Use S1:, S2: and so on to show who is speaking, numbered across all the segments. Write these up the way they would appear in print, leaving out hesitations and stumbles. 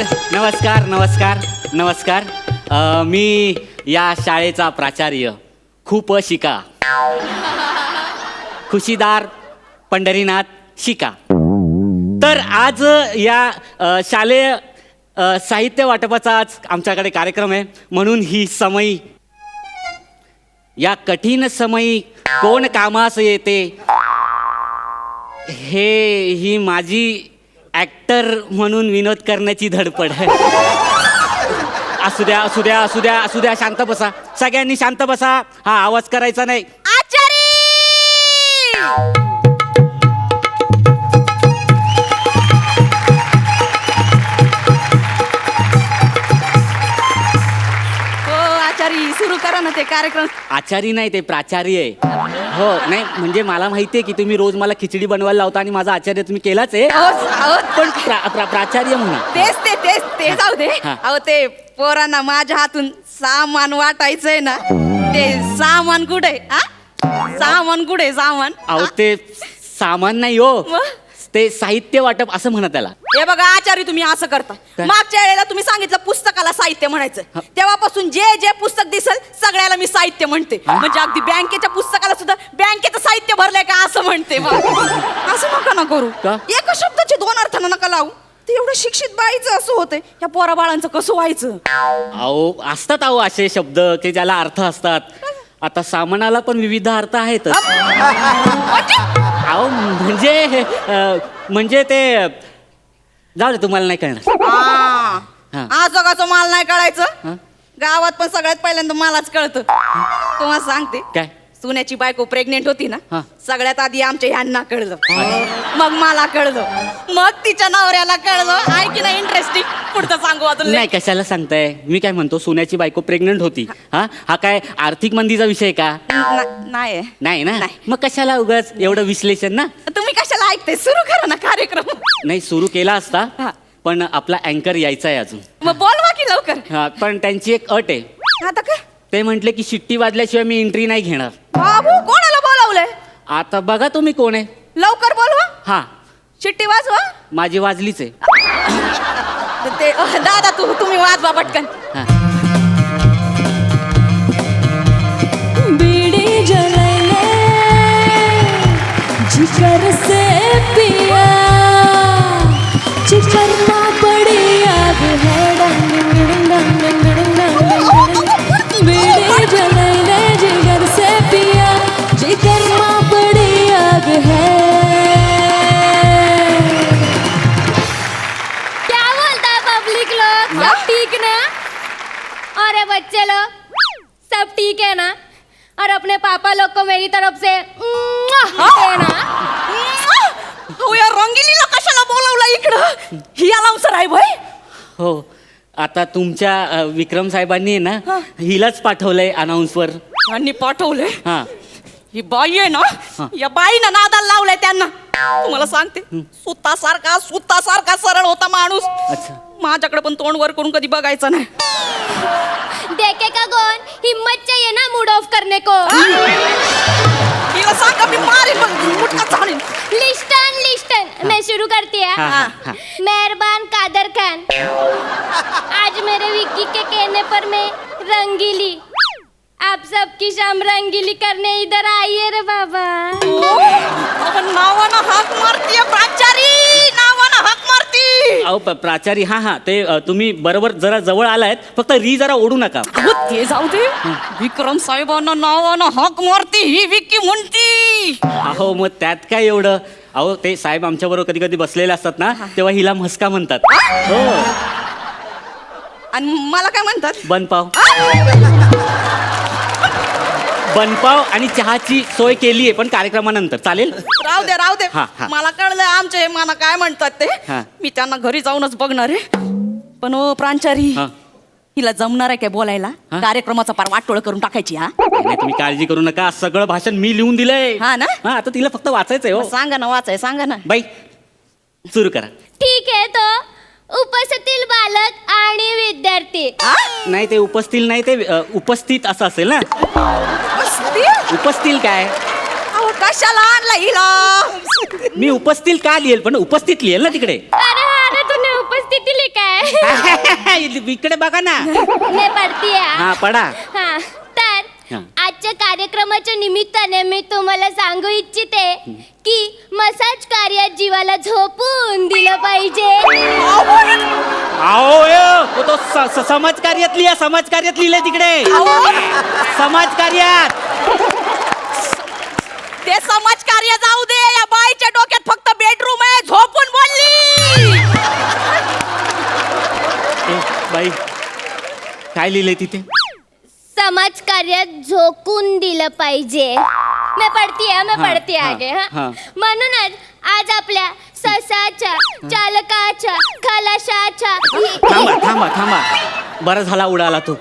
S1: नमस्कार नमस्कार नमस्कार. मी या शाळेचा प्राचार्य खूप शिका खुशीदार पंढरीनाथ शिका. तर आज या शालेय साहित्य वाटपाचा आज आमच्याकडे कार्यक्रम आहे, म्हणून ही समयी या कठीण समयी कोण कामास येते ही माझी ॲक्टर म्हणून विनोद करण्याची धडपड आहे. असू द्या असू द्या असू द्या असू द्या, शांत बसा सगळ्यांनी, शांत बसा. हा आवाज करायचा नाही.
S2: आचारी सुरू करा ना ते कार्यक्रम.
S1: आचारी नाही, ते प्राचार्य आहे. हो नाही म्हणजे मला माहिती आहे की तुम्ही रोज मला खिचडी बनवायला लावता आणि माझा आचार्य तुम्ही केलाच आहे, पण प्राचार्य म्हणा.
S2: तेच जाऊ दे. अहो ते पोरांना माझ्या हातून सामान वाटायचंय ना, ते सामान कुठे? सामान कुठे? सामान
S1: अहो ते सामान नाही हो, ते साहित्य वाटप असं म्हणा त्याला.
S2: हे बघा आचार्य, तुम्ही असं करता. मागच्या वेळेला तुम्ही सांगितलं पुस्तकाला साहित्य म्हणायचं, तेव्हापासून जे जे पुस्तक दिसेल सगळ्याला मी साहित्य म्हणते. म्हणजे अगदी बँकेच्या पुस्तकाला सुद्धा बँकेचं साहित्य भरलंय का असं म्हणते. असं नका ना करू. एका शब्दाचे दोन अर्थानं नका लावू. ते एवढं शिक्षित बाईचं असं होतंय, या पोरा बाळांचं कसं व्हायचं?
S1: अहो असतात अहो असे शब्द की ज्याला अर्थ असतात. आता सामानाला पण विविध अर्थ आहेत. अहो म्हणजे ते जाऊ दे, तुम्हाला नाही कळणार.
S2: जगाचं माल नाही कळायचं. गावात पण सगळ्यात पहिल्यांदा मलाच कळतं. तुम्हाला सांगते
S1: काय,
S2: सुन्याची बायको प्रेग्नेंट होती ना, सगळ्यात आधी आमच्या ह्यांना कळलं, मग मला कळलं, मग तिच्या नवऱ्याला कळलं. आहे की नाही इंटरेस्टिंग? पुढचं सांगू अजून.
S1: नाही कशाला सांगताय? मी काय म्हणतो, सोन्याची बायको प्रेग्नंट होती. हा काय आर्थिक मंदीचा विषय का?
S2: नाही
S1: नाही ना, मग कशाला उगाच एवढं विश्लेषण ना.
S2: तुम्ही कशाला ऐकताय? सुरू करा ना कार्यक्रम.
S1: नाही सुरू केला असता, पण आपला अँकर यायचा आहे अजून.
S2: मग बोलवा की लवकर.
S1: पण त्यांची एक अट आहे.
S2: आता काय?
S1: ते म्हटले की शिट्टी वाजल्याशिवाय मी एंट्री नाही घेणार.
S2: बाबू कोणाला बोलावलंय?
S1: आता बघा तुम्ही कोण आहे.
S2: लवकर बोलवा.
S1: हा
S2: शिट्टी वाजवा.
S1: माझी वाजलीच आहे.
S2: ते दादा तुम्ही वाजवा पटकन.
S3: बीड़ी जलाइले जिगर से पिया, जिगर ना बड़ी आग है. बीड़ी जलाइले जिगर से पिया, जिगर ना बड़ी आग है.
S4: क्या बोलता है पब्लिक लोग? सब ठीक ना? अरे बच्चे लोग सब ठीक है ना? और अपने पापा लोग को मेरी तरफ से देना.
S2: या रंगिलीला कशाला बोलावलं इकडं? ही अलाउन्सर आहे भाई.
S1: हो आता तुमच्या विक्रम साहेबांनी आहे ना हिलाच पाठवलंय अनाऊन्सवर.
S2: यांनी पाठवलंय.
S1: हा
S2: ही बाई आहे ना, या बाईनं नादाला लावलंय त्यांना. तुम्हाला सांगते, सुतासारखा सरळ होता माणूस.
S1: अच्छा.
S2: माझ्याकडे पण तोंड वर करून कधी बघायचं नाही.
S4: देखेगा कौन? हिम्मत चाहिए ना मूड ऑफ करने को.
S2: तिला सांगा मी मारेन, मुटका चालेल.
S4: लिस्टन मैं शुरू करती है. मेहरबान कादर खान, आज मेरे विक्की के कहने पर मैं रंगीली, आप सबकी शाम रंगीली करने इधर आइए रे बाबा.
S2: नावानं हाक मारतीये प्राचारी, नावानं हाक मारती.
S1: अहो प्राचारी. हा ते तुम्ही बरोबर जरा जवळ आलायत, फक्त री जरा ओढू नका.
S2: ते जाऊ दे. विक्रम साहेबांना नावानं हाक मारती ही विक्की म्हणती.
S1: अहो मग त्यात काय एवढं. अहो ते साहेब आमच्या बरोबर कधी कधी बसलेले असतात ना, तेव्हा हिला म्हस्का म्हणतात. हो.
S2: आणि मला काय म्हणतात?
S1: बनपाव. बनपाव आणि चहाची सोय केली आहे, पण कार्यक्रमानंतर चालेल.
S2: राहू दे. मला कळलं आमचे मला काय म्हणतात ते. मी त्यांना घरी जाऊनच बघणार आहे. पण ओ प्रांचारी, हिला जमणार आहे काय बोलायला? कार्यक्रमाचा पार वाटोळ करून टाकायची.
S1: नाही तुम्ही काळजी करू नका, सगळं भाषण मी लिहून दिलंय.
S2: हा ना.
S1: आता तिला फक्त वाचायचंय. हो
S2: सांगा ना, वाचाय सांगा ना.
S1: बाई सुरू करा.
S4: ठीक है तो उपस्थित बालक आणि विद्यार्थी.
S1: नाही ते उपस्थित नाही, ते उपस्थित असं असेल ना. उपस्थित काय?
S2: कशाला आणला हिला?
S1: मी उपस्थित का लिहेल, पण उपस्थित लिहेल ना तिकडे.
S4: अरे तूने उपस्थिति लिखा है.
S1: इकडे बघा ना.
S4: मैं पढ़ती है
S1: हा पडा.
S4: हा तर
S1: हा.
S4: आजच्या कार्यक्रमाच्या निमित्ताने मी तुम्हाला सांगू इच्छिते की मसाज कार्यात जीवाला झोपून दिलं पाहिजे.
S1: अहो तो समाज कार्यातली आहे, समाज कार्यात लिहिलंय तिकडे. समाज कार्यात.
S2: ते समाज कार्य जाऊ दे, या बाईच्या डोक्यात फक्त बेडरूम आहे, झोपून बोलली.
S1: ए, बाई काय लिहिलंय तिथे?
S4: समाज कार्यात झोकून दिलं पाहिजे. मैं पढ़ती है
S1: हा,
S4: आगे
S1: हा.
S4: हा म्हणूनच आज आपल्या ससाच्या चालकाच्या खलाशाच्या
S1: थांबा बरं झाला उडाला तो.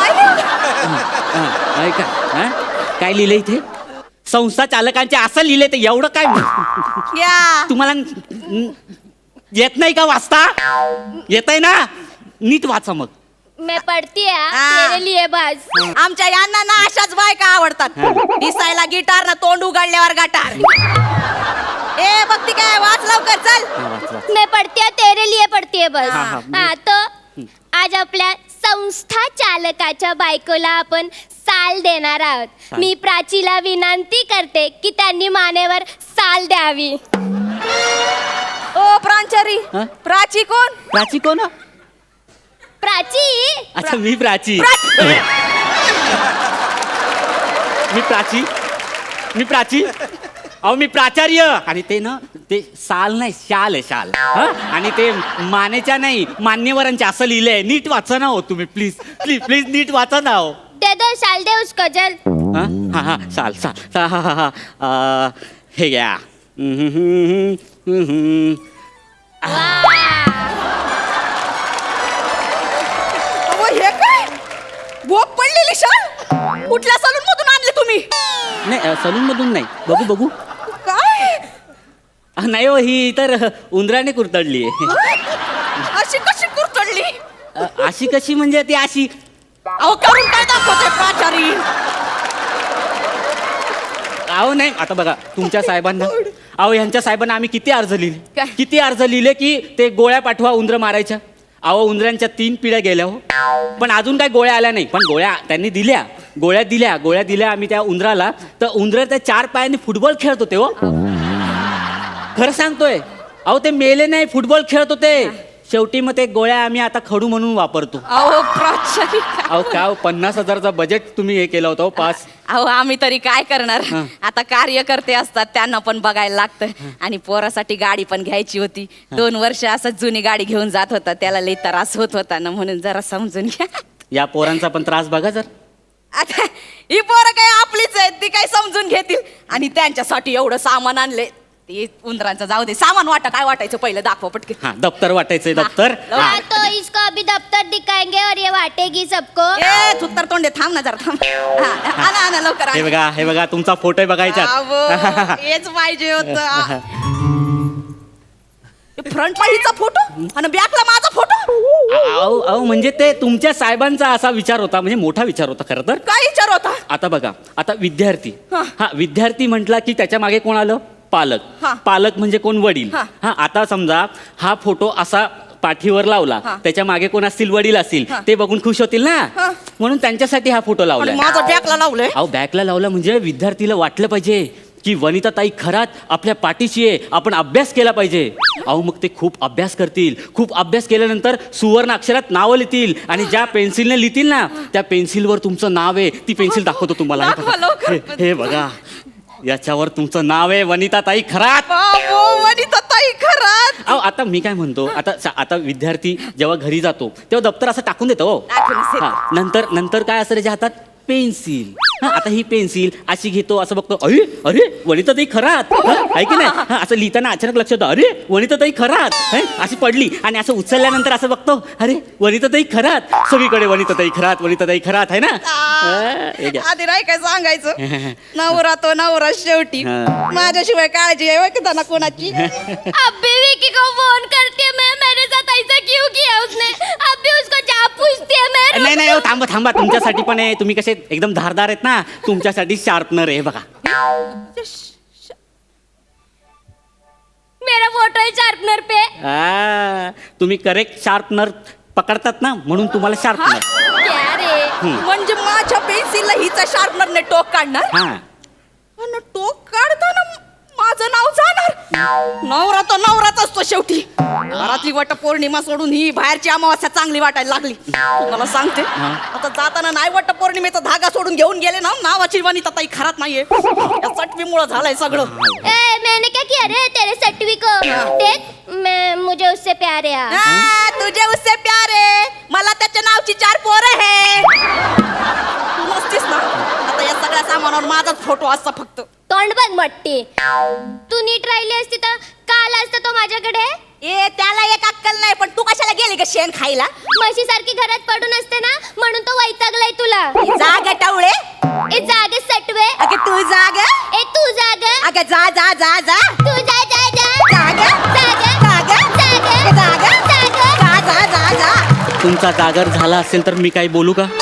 S1: ऐका हा? काय लिहिलंय इथे? संस्था चालकांचे असं लिहिलंय ते एवढं काय
S2: या
S1: तुम्हाला येत नाही का वाचता? येतंय ना? नीट वाचा मग.
S4: मैं पढ़ती है
S2: हा.
S4: तेरे लिए बस.
S2: आमच्या यांना ना अशाच बायका आवडतात. दिसायला गिटार ना तोंड उघडल्यावर गटार. ए बघती काय, वाच लवकर चल.
S1: हा, वाच.
S4: मैं पढ़ती है तेरे लिए पढ़ती है बस.
S1: हा,
S4: हा तो आज आपल्या संस्था चालकाच्या बायकोला आपण साल देणार आहोत. मी प्राचीला विनंती करते की त्यांनी मानेवर साल द्यावी.
S2: ओ प्रांचारी,
S1: हा?
S2: प्राची कोण?
S1: प्राची कोण?
S4: प्राची
S1: अच्छा मी प्राची. मी प्राची अहो मी प्राचार्य. आणि ते ना ते साल नाही शाल आहे शाल. हा? आणि ते मानेच्या नाही मान्यवरांच्या असं लिहिलंय. नीट वाचा ना हो तुम्ही प्लीज प्लीज प्लीज नीट वाचा ना हो.
S4: दे दो साल दे उसको जल.
S1: हा हा साल साल हा. हे घ्या.
S2: अहो, हे काय भोग पडलेली शाल? कुठल्या सलून मधून आणले तुम्ही?
S1: नाही सलून मधून नाही. बघू
S2: काय
S1: नाही हो ही तर उंदराने कुरतडली आहे.
S2: अशी कशी कुरतडली?
S1: अशी कशी म्हणजे ती अशी.
S2: अहो करून काय दाखवते प्राचारी?
S1: अहो नाही आता बघा तुमच्या साहेबांना अहो यांच्या साहेबांना आम्ही किती अर्ज
S2: काय?
S1: लिहिले किती अर्ज लिहिले की ते गोळ्या पाठवा उंदरं मारायच्या. अहो उंदरांच्या 3 पिढ्या गेल्या हो पण अजून काय गोळ्या आल्या नाही. पण गोळ्या त्यांनी दिल्या. गोळ्या दिल्या आम्ही त्या उंदराला. तर उंदर त्या 4 पायांनी फुटबॉल खेळत होते हो. खरं सांगतोय. अहो ते मेले नाही फुटबॉल खेळत होते. शेवटी मग ते गोळ्या आम्ही आता खडू म्हणून वापरतो.
S2: अहो प्राचारी
S1: अहो काय 50,000चा बजेट तुम्ही हे केलं होतं पास.
S2: अहो आम्ही तरी काय करणार?
S1: हा.
S2: आता कार्यकर्ते असतात त्यांना पण बघायला लागतं. आणि पोरासाठी गाडी पण घ्यायची होती. 2 वर्ष असंच जुनी गाडी घेऊन जात होता. त्याला लई त्रास होत होता ना म्हणून जरा समजून घ्या.
S1: या पोरांचा पण त्रास बघा जर.
S2: आता ही पोरं काय आपलीच आहेत, ती काय समजून घेतील. आणि त्यांच्यासाठी एवढं सामान आणले. ते उंदरांचं जाऊ दे. सामान काय वाटायचं पहिलं दाखवा पटके.
S1: हा दप्तर वाटायचंय दप्तर.
S2: हा.
S1: हा.
S4: हाँ तो इसको अभी दफ्तर दिखाएंगे और ये बांटेगी सबको.
S2: ए थुत्तर तोंडे थांब ना जरा थांब. हा, आणा लवकर
S1: हे बघा तुमचा फोटो बघायचा.
S2: हेच पाहिजे होत. फ्रंटला हिचा फोटो आणि बॅकला माझा फोटो.
S1: अहो म्हणजे ते तुमच्या साहेबांचा असा विचार होता म्हणजे मोठा विचार होता खरं तर.
S2: काय विचार होता?
S1: आता बघा आता विद्यार्थी.
S2: हा.
S1: हा विद्यार्थी म्हटला की त्याच्या मागे कोण आलं? पालक.
S2: हा.
S1: पालक म्हणजे कोण? वडील.
S2: हा.
S1: हा आता समजा हा फोटो असा पाठीवर लावला
S2: हा.
S1: त्याच्या मागे कोण असतील? वडील असतील.
S2: हा.
S1: ते बघून खुश होतील ना
S2: हा.
S1: म्हणून त्यांच्यासाठी हा फोटो
S2: आणि
S1: लावला.
S2: माझा बॅकला लावलंय.
S1: अहो बॅकला लावला म्हणजे विद्यार्थीला वाटलं पाहिजे की वनिताताई खरात आपल्या पाठीशी आहे. आपण अभ्यास केला पाहिजे. अहो मग ते खूप अभ्यास करतील. खूप अभ्यास केल्यानंतर सुवर्ण अक्षरात नावं लिहितील आणि ज्या पेन्सिलने लिहितील ना त्या पेन्सिलवर तुमचं नाव आहे. ती पेन्सिल दाखवतो तुम्हाला. हे
S2: दाखवा
S1: बघा.
S2: लवकर.
S1: हे बघा याच्यावर तुमचं नाव आहे वनिताताई खरात.
S2: बाबो वनिताताई खरात.
S1: अहो आता मी काय म्हणतो आता विद्यार्थी जेव्हा घरी जातो तेव्हा दप्तर असं टाकून देतो हो.
S2: टाकूनच देतो.
S1: हा, नंतर काय असं त्याच्या हातात? पेन्सिल. हा आता ही पेन्सिल अशी घेतो असं बघतो. अरे वनिताताई खरात. आहे की नाही? हा असं लिहिताना अचानक लक्षात येतं अरे वनिताताई खरात. अशी पडली आणि असं उचलल्यानंतर असं बघतो अरे वनिताताई खरात. सगळीकडे वनिताताई खरात आहे ना. हे घ्या.
S2: आधी नाही काय सांगायचं. नवरा तो नवरा शेवटी.
S1: हा.
S2: माझ्याशिवाय काळजी आहे की त्यांना कोणाची?
S4: अब भी विकी को फोन करती है मैं मेरे साथ ऐसा क्यों किया उसने. अब भी उसको जा पूछती है मैं.
S1: नाही हो, थांबा तुमच्यासाठी पण आहे. तुम्ही कसे एकदम धारदार आहेत ना तुमच्यासाठी शार्पनर आहे बघा.
S4: मेरा फोटो है शार्पनर पे।
S1: तुम्ही करेक्ट शार्पनर पकडतात ना, म्हणून तुम्हाला शार्पनर.
S4: क्या रे?
S2: म्हणजे माझ्या पेन्सिलला हिचा शार्पनरने टोक काढणार
S1: हा
S2: आणि टोक काढताना माझं नाव जाणार. नवरा तर नवराच असतो शेवटी. घरातली वटपौर्णिमा सोडून ही बाहेरची अमावास्या चांगली वाटायला लागली. तुम्हाला सांगते आता जाताना नाही वटपौर्णिमेचा धागा सोडून घेऊन गेले ना, नावाची वनिता ताई खरात नाहीये. या चटवीमुळं झालंय सगळं.
S4: ए, मैंने क्या किया रे तेरे सटवी को? देख, मैं मुझे उससे प्यार है.
S2: तुझे उससे प्यार आहे. मला त्याच्या नावची 4 पोरं आहे. तू नसतीस ना आता या सगळ्या सामानावर माझाच फोटो असता फक्त.
S4: तोंड बघ मोठी. तू नीट राहिली असती तर काल असतं तो माझ्याकडे.
S2: ए त्याला एक अक्कल नाही, पण तू कशाला गेली ग शेण खायला?
S4: म्हशी सारखी घरात पडून असते ना, म्हणून तो वैतागलाय तुला.
S2: जाग टवळे.
S4: ए जागे सटवे.
S2: अगे तू जाग.
S4: ए तू जाग.
S2: अगे जा जा जा जा.
S4: तू जा जा जा.
S2: जाग
S4: जाग.
S2: जाग
S4: जाग.
S2: जाग
S4: जाग.
S2: जा जा जा जा.
S1: तुमचा जागर झाला असेल तर मी काही बोलू का?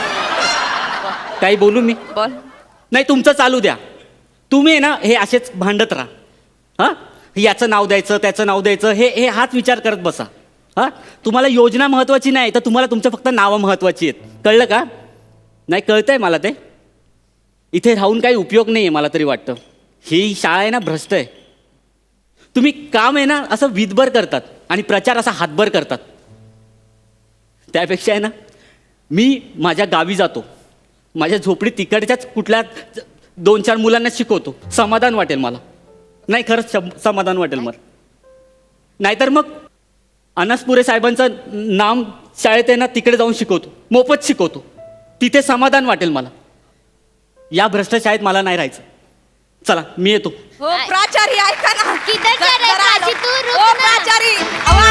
S1: काही बोलू मी?
S2: बोल.
S1: नाही, तुमचं चालू द्या. तुम्ही आहे ना हे असेच भांडत राहा. हां, याचं नाव द्यायचं त्याचं नाव द्यायचं हे हाच विचार करत बसा. हां, तुम्हाला योजना महत्त्वाची नाही तर तुम्हाला तुमचं फक्त नावं महत्त्वाची आहेत. कळलं का? नाही कळतंय मला ते. इथे राहून काही उपयोग नाही आहे मला तरी वाटतं. ही शाळा आहे ना भ्रष्ट आहे. तुम्ही काम आहे ना असं विधभर करतात आणि प्रचार असा हातभर करतात. त्यापेक्षा आहे ना मी माझ्या गावी जातो, माझ्या झोपडीत तिकडच्याच कुठल्या 2-4 मुलांना शिकवतो. समाधान वाटेल मला. नाही खरंच समाधान वाटेल मला. नाहीतर मग अनसपुरे साहेबांचं नाम शाळेत आहे ना तिकडे जाऊन शिकवतो, मोफत शिकवतो. तिथे समाधान वाटेल मला. या भ्रष्ट शाळेत मला नाही राहायचं. चला मी येतो.
S2: हो प्राचारी ऐका ना.
S4: किधर जा रहा है
S2: जरा
S4: प्राची? तू रुक
S2: ओ
S4: ना.
S2: प्राचारी. अहो